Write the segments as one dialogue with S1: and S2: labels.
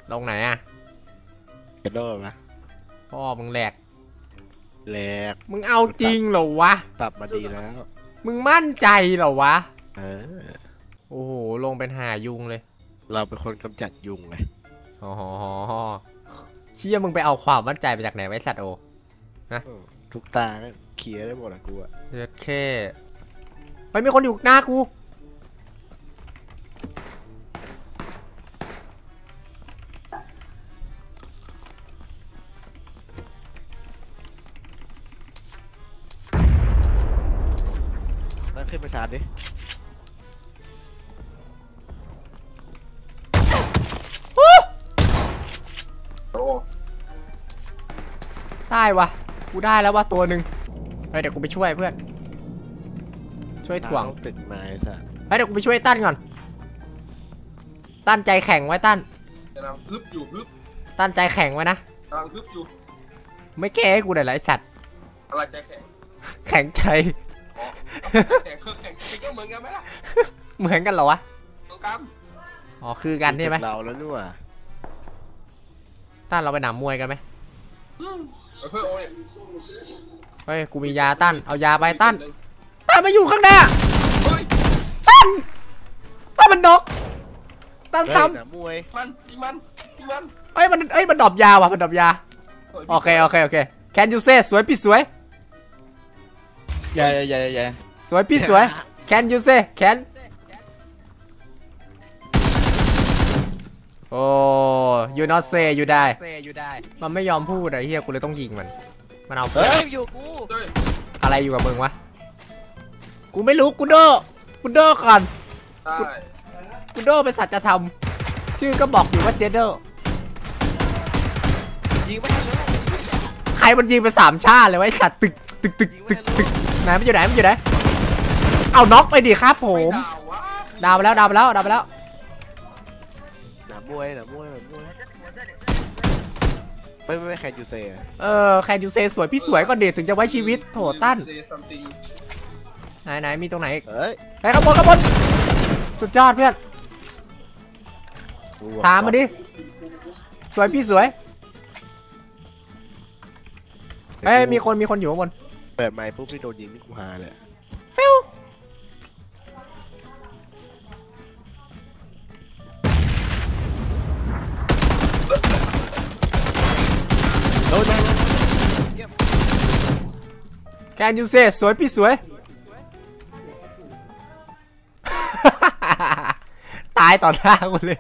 S1: ลงไหนอะ
S2: กระโดดมา
S1: พ่อมึงแหลกมึงเอาจริงเหรอวะ
S2: ปรับมาดีแล้ว
S1: มึงมั่นใจเหรอวะ
S2: โ
S1: อ้โหลงเป็นหายุงเลย
S2: เราเป็นคนกำจัดยุงไง
S1: อ๋อเชี่ยมึงไปเอาความมั่นใจไปจากไหนไว้สัตว์โอนะ
S2: ทุกตาเคลียร์ได้หมดอะกูอะ
S1: เด็ดแค่ไปมีคนอยู่หน้ากู
S2: ตั้งขึ้นประชาดิ
S1: ได้วะกูได้แล้ววะตัวหนึ่งเดี๋ยวกูไปช่วยเพื่อนช่วยถ่วง
S2: ตึกไม้ซะ
S1: เดี๋ยวกูไปช่วยตั้นก่อนตั้นใจแข็งไว้ตั้น
S3: กำลังฮึบอยู่ฮึบ
S1: ตั้นใจแข็งไว้นะ
S3: กำลังฮึบอยู่
S1: ไม่แก้ให้กูหน่อยไรสัตว์
S3: อะไรใจแข็ง
S1: แข็งใจ
S3: แข็งก็เหมือนกันไหมล่ะ
S1: เหมือนกันเหรอวะ
S3: เหมือนกัน
S1: อ๋อคือกันใช่ไหม
S2: เราแล้วนู่น
S1: ตั้นเราไปหนามมวยกันไหม
S3: เพื่อโอเนี่ย
S1: เฮ้ยกูมียาตั้นเอายาไปตั้นมาอยู่ข้างหน้าตั้นมันนกตั้นซ้
S2: ำมวย
S3: มัน
S1: มันดรอปยาว่ะมันดรอปยาโอเคแคนยูเซ่สวยพี่สวย
S2: อย่า
S1: สวยพี่สวยแคนยูเซ่แคนโอ้ยูนอตเซ่ยูได้มันไม่ยอมพูดไอ้เหี้ยกูเลยต้องยิงมันเอา
S2: อยู่กู
S1: อะไรอยู่กับมึงวะกูไม่รู้กูโดก่อนกูโดเป็นสัจธรรมชื่อก็บอกอยู่ว่าเจเดอร์
S2: ยิงไม่ได้เลย
S1: ใครมันยิงไป3 ชาติเลยไว้สัตว์ตึกไหนมันอยู่ไหนเอาน็อกไปดิครับผมดาวไปแล้ว
S2: หนามวยไม่แคนยูเซ่
S1: แคนยูเซ่สวยพี่สวยก็เด็ดถึงจะไว้ชีวิตโถตั้นไหนมีตรงไหนไอ้ขบวนสุดยอดเพื่อนถามมาดิสวยพี่สวยมีคนอยู่ข้างบน
S2: เปิดไมค์ปุ๊บพี่โดนยิงนี่กูฮาเลย
S1: ฟิวแคนยูเซ่สวยพี่สวยตายต่อหน้ากูเลย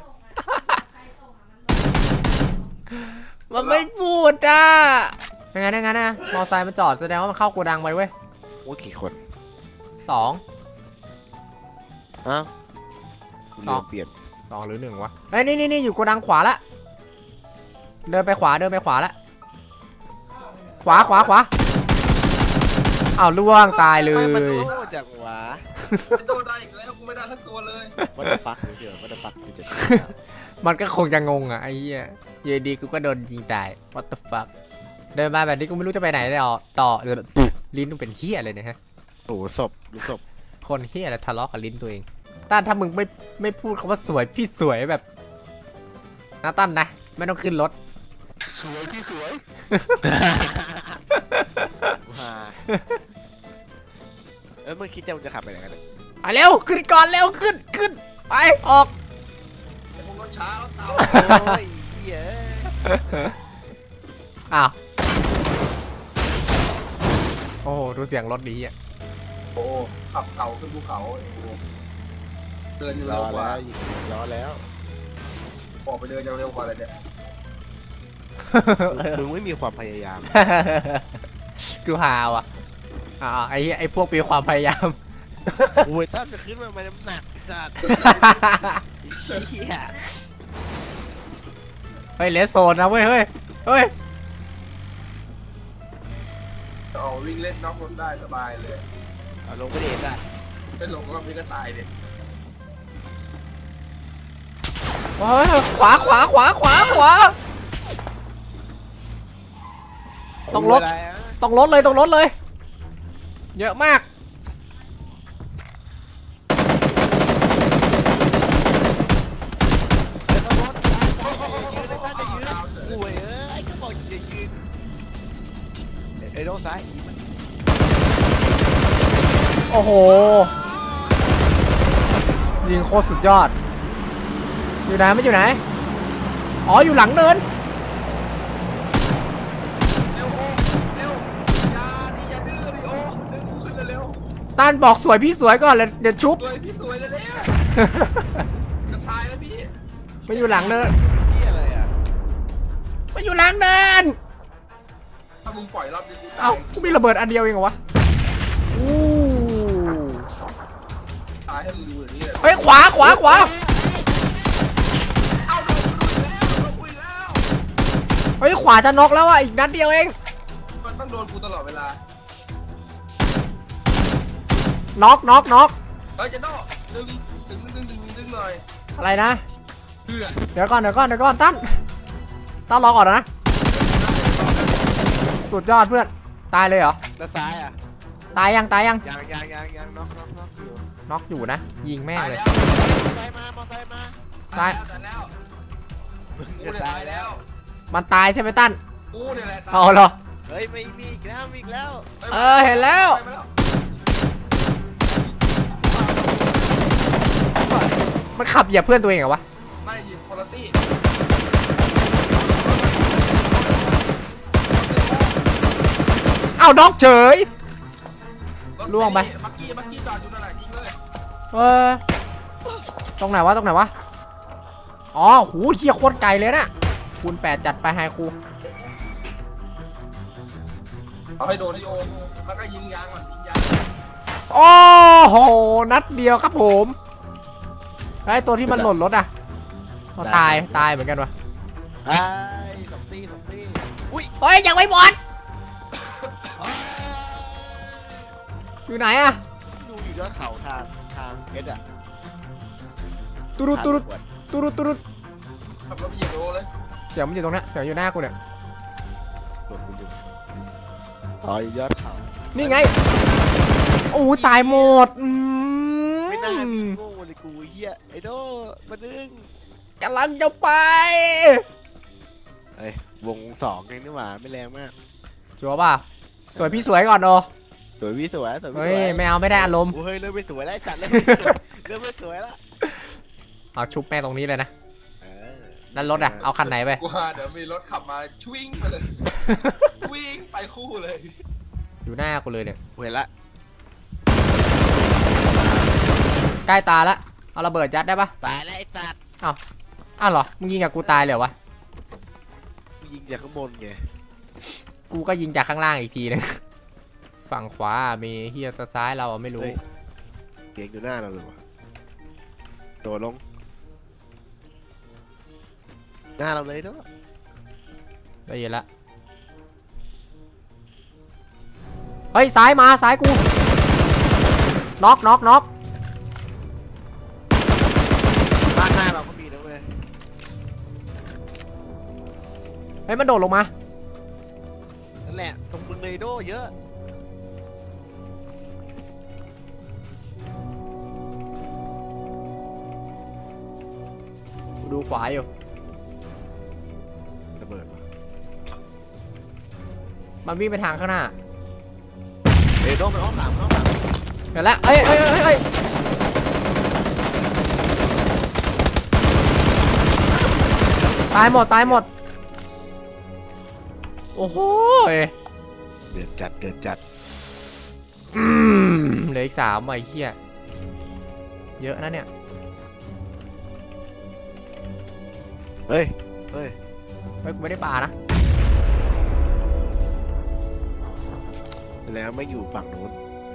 S1: มันไม่พูดอ่ะยังไงนะมอไซค์มันจอดแสดงว่ามันเข้าโกดังไปเว้ย
S2: โอ้กี่คน
S1: 2
S2: เปลี่ยน
S1: 2หรือ1วะนี่อยู่โกดังขวาละเดินไปขวาละขวาอ้าวล่วงตายเลย
S2: จากขวา
S3: โดนได้อีกแล้วกูไม่ได้ทั้งตัวเลย
S2: วัดเดอร์ฟักวัดเดอร์ฟัก
S1: มันก็คงจะงงอ่ะไอ้เหี้ยเยดีกูก็โดนยิงตาย what the fuck เดินมาแบบนี้กูไม่รู้จะไปไหนต่อลิ้นมึงเป็นเหี้ยเลยนะฮะ
S2: โอ้ศพ
S1: คนเหี้ยอะไรทะเลาะกับลิ้นตัวเองตั้นถ้ามึงไม่พูดคำว่าสวยพี่สวยแบบนะตั้นนะไม่ต้องขึ้นรถ
S2: สวยพี่สวยเมื่อคิดจะขับไปไหนกัน
S1: ไปเร็วขึ้นก่อนเร็วขึ้นไปออก
S3: ผมรถช้าแล้วเต่า
S1: อ้าวโอ้ดูเสียงรถดีอ่ะ
S3: โอ้ขับเขาขึ้นภูเขาเดินเร็วกว่า
S2: ล้อแล้ว
S3: ออกไปเดินเร็วกว่าเลยเนี่ย
S2: มึงไม่มีความพยายาม
S1: กูหาวอ่ะไอ้พวกมีความพยายาม
S2: โอ้ยตั้มจะขึ้นมาน้ำหนักสัตว์
S1: เฮ้ยเลสโซนนะเว้ยเฮ้ย
S3: วิ่งเล่นน็อกรถได้สบายเลย
S2: ลงไปเด็ดได้
S3: ไม่ลงก็มีก็ตายเด็ด
S1: ขวาต้องรถเลยเยอะมาก
S2: อ้โดซ้าย
S1: โอ้โหยิงโคตรสุดยอดอยู่ไหนไม่อยู่ไหนอ๋ออยู่หลังเนิน
S3: เร็วโอ้เร็วอย่าดื้อดิโอ้ดึงกูขึ้นเร็ว
S1: ต้านบอกสวยพี่สวยก่อนเลยเดี๋ยวชุบ
S3: สวยพี่สวยเลยจะตายแล้วพี่
S1: มาอยู่หลังเนิน
S2: ที่อะไรอ่ะ
S1: มาอยู่หลังเนิน
S3: ถ้ามึงปล่อยรอบนี้กูตา
S1: เอ้าย กูมีระเบิดอันเดียวเองเหรอวะอู้
S3: ตายให้มึงดูอย่างนี้เลย
S1: เฮ้ยขวาขวาขวา
S3: เอาโดนแล้วโดนกูอีกแล้ว
S1: เฮ้ยขวาจะน็อกแล้วอ่ะอีกนัดเดียวเอง
S3: มันต้องโดนกูตลอดเวลา
S1: น็อกน็อกน็อก
S3: เฮ้ยจะโดนดึงหน่อย
S1: อะไรนะ
S3: เพื่อ
S1: เดี๋ยวก่อนตั้นรอก่อนนะสุดยอดเพื่อนตายเลยเหรอ
S2: แล้วซ้ายอ่ะ
S1: ตายยัง
S2: ยังน็อกอยู่
S1: น็อกอยู่นะยิงแม่ง
S3: ตาย
S1: เลย
S3: แล้ว
S2: มอไซค์มา
S3: ตายแล้วกูเนี่ยตายแล้ว
S1: มันตายใช่ไหมตั้น
S3: กูเนี่ยแหละตาย
S1: เอาเหรอ
S2: เฮ้ยไม่มีอีกแล้วมีอีกแล้ว
S1: เห็นแล้ว มันขับเหยียบเพื่อนตัวเองเหรอวะ
S3: ไม่ยิงคุณภาพ
S1: เอ้าน็อกเฉย ล่วงไป
S3: มักกี้จอดอยู่นั่นแหละยิงเลย
S1: ตรงไหนวะอ๋อหูเฮียโคตรไกลเลยนะคูณ8จัดไปไฮคู
S3: เอาให้โดนโยมแล้วก็ยิงยางก่อนยิงยาง
S1: โอ้โหนัดเดียวครับผมไอ้ตัวที่มันหล่นรถอ่ะตายเหมือนกันวะ
S2: ไอ้สองตีอุ้ย
S1: เฮ้ยยังไม่หมดอยู่ไหนอะ
S2: ดูอยู่ยอดเขาทางเอสอ่ะ
S1: ตุรุด
S3: ขับรถไปเหยียบโยเลย
S1: เสียงมันอยู่ตรงนี้เสียงอยู่หน้ากูเนี่ย
S2: หลบอยู่อ๋ออยู่ยอดเขา
S1: นี่ไงโอ้ตายหมด
S2: ไม่น่ามีโง่เลยกูเฮียไอโดมาดึง
S1: กำลังจะไป
S2: เอ้ยวงสองเองนี่หว่าไม่แรงมาก
S1: ชัวร์ป่ะสวยพี่สวยก่อนโอ
S2: สวยพี่สวย
S1: เฮ้ยไม่เอาไม่ได้อารมณ์
S2: เฮ้ยเริ่มไม่สวยแล้วสัตว์เริ่มไม่สวยแล้ว
S1: เอาชุบแม่ตรงนี้เลยนะ
S2: เ
S1: นั่นรถอะเอาคันไหนไป
S3: กูว่าเดี๋ยวมีรถขับมาวิ่งไปเลยวิ่งไปคู่เลย
S1: อยู่หน้ากูเลยเนี่ย
S2: เห็นละ
S1: ใกล้ตาละเอาระเบิดยัดได้ปะ
S2: ตายแล้วไอ้สัตว์
S1: อ้าวเหรอมึงยิงกับกูตายเลยเหรอวะ
S2: ยิงจากข้างบนไง
S1: กูก็ยิงจากข้างล่างอีกทีนึงฝั่งขวามีเฮียซ้ายเราอะไม่รู้
S2: เสียงอยู่หน้าเราเลยวะโดดลงหน้าเราเลยเนาะ
S1: ได้ยินละเฮ้ยซ้ายมาซ้ายกูน็อก
S2: บ้านหน้าเราก็มีนะเว้ย
S1: เฮ้ยมันโดดลงมา
S2: นั่นแหละตรงมึงเลยโดเยอะ
S1: กูดูขวาอยู่
S2: ระเบิด
S1: มันวิ่งไปทางข้างหน้า
S2: โดมันอ้อมหลัง
S1: เห็นแล้วเอ้ยตายหมดโอ้โห
S2: เดือดจัด
S1: เหลืออีก3ไอ้เหี้ยเยอะนะเนี่ย
S2: เฮ้ย
S1: กูไม่ได้ปานะ
S2: แล้วไม่อยู่ฝั่งนู้น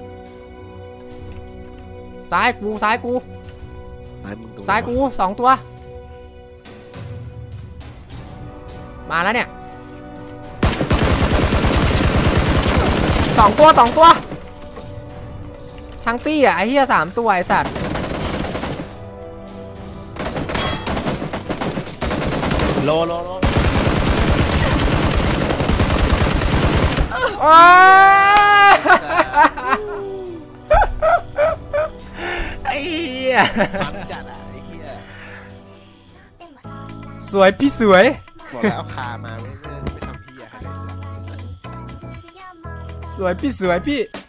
S1: ซ้ายกู
S2: ซ้ายมึงตรง
S1: ซ้ายกู2ตัวมาแล้วเนี่ย2ตัวทั้งตี้อ่ะไอ้เหี้ย3ตัวไอ้สัตว์
S2: โล
S1: ไอ้เหี้ย
S2: มันจัดอ่ะไอ้เหี้ย
S1: สวยพี่สวย
S2: บอกแล้วเอาคามาไม่ทำพี่อะอะไรสัก
S1: สวยพี่สวยพี่